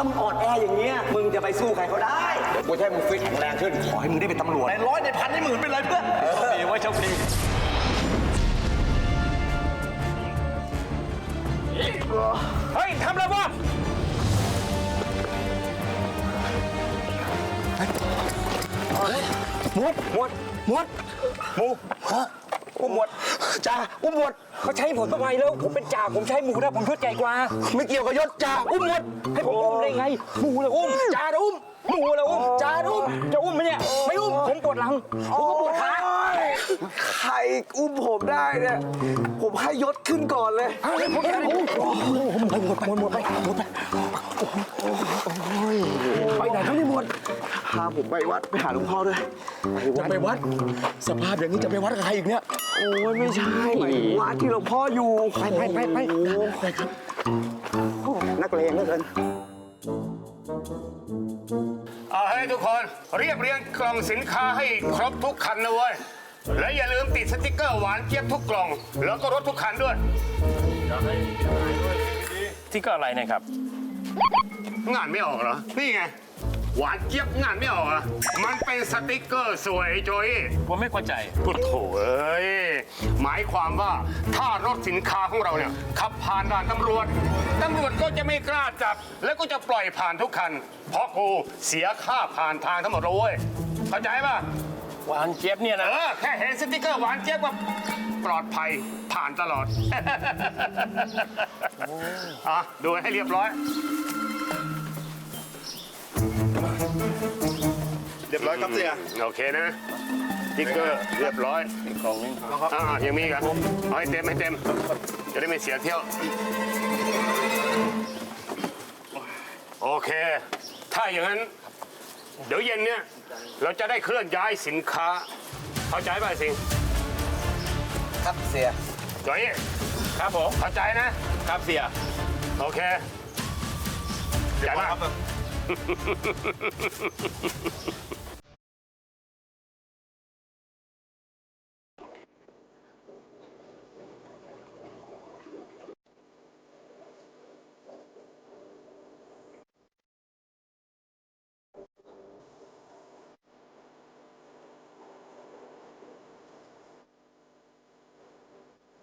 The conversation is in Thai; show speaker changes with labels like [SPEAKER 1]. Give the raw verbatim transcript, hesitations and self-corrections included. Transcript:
[SPEAKER 1] ามึงอ่อนแออย่างเงี้ยมึงจะไปสู้ใครเขาได้เดี๋ยวกูจะให้มึงฟิตแข็งแรงขึ้นขอให้มึงได้เป็นตำรวจในร้อยในพันในหมื่นเป็นไรเพื่อนโชคดีไว้โชคดีเฮ้ยทำอะไรวะหมวดหมวดหมวดหมูอุ้มหมวดจ่าอุ้มหมวดเขาใช้ผมทำไมแล้วผมเป็นจ่าผมใช้หมูนะผมยศใหญ่กว่าไม่เกี่ยวกับยศจ่าอุ้มหมวดให้ผมอุ้มได้ไงหมูเลยอุ้มจ่าอุ้มหมูเลยอุ้มจ่าอุ้มจะอุ้มไหมเนี่ยไม่อุ้มผมปวดหลังผมก็ปวดขาใครอุ้มผมได้เนี่ยผมให้ยศขึ้นก่อนเลยผมให้ผมไปหมดไปหมดไปหมดไปไปไหนครับนี่หมดพาผมไปวัดไปหาหลวงพ่อด้วยจะไปวัดสภาพอย่างนี้จะไปวัดกับใครอีกเนี่ยโอ้ยไม่ใช่วัดที่หลวงพ่ออยู่ไปไปไปไปไปครับนักเลงเหลือเกิน
[SPEAKER 2] เอาให้ทุกคนเรียบเรียงกล่องสินค้าให้ครบทุกคันนะเว้ยและอย่าลืมติดสติ๊กเกอร์หวานเจี๊ยบทุกกล่องแล้วก็รถทุกคันด้วย
[SPEAKER 3] สติ๊กเกอร์อะไรนะครับ
[SPEAKER 2] งานไม่ออกเหรอนี่ไงหวานเจี๊ยบงานไม่ออกอ่ะมันเป็นสติ๊กเกอร์สวยโจย
[SPEAKER 3] ผมไม่เข้าใจ
[SPEAKER 2] พุทโธเอ้ยหมายความว่าถ้ารถสินค้าของเราเนี่ยขับผ่านด่านตำรวจตำรวจก็จะไม่กล้าจับแล้วก็จะปล่อยผ่านทุกคันเพราะกูเสียค่าผ่านทางทั้งหมดเลยเว้ยเข้าใจป่ะ
[SPEAKER 3] หวานเจี๊ยบเนี่ยนะ
[SPEAKER 2] เออแค่เห็นสติ๊กเกอร์หวานเจี๊ยบว่าปลอดภัยผ่านตลอดอ่ะดูให้เรียบร้อย
[SPEAKER 1] เรียบร้อยครับเสีย
[SPEAKER 2] โอเคนะสติ๊กเกอร์เรียบร้อย
[SPEAKER 3] อีกกล่องนึง
[SPEAKER 2] อ่ายังมีกันเอาให้เต็มให้เต็มจะได้ไม่เสียเที่ยวโอเคถ้าอย่างนั้นเดี๋ยวเย็นเนี่ยเราจะได้เคลื่อนย้ายสินค้าเข้าใจป่ะสิง
[SPEAKER 1] ครับเสีย
[SPEAKER 2] จอย
[SPEAKER 3] ครับผม
[SPEAKER 2] เข้าใจนะครับ
[SPEAKER 3] เสีย
[SPEAKER 2] โอเคใหญ่มาก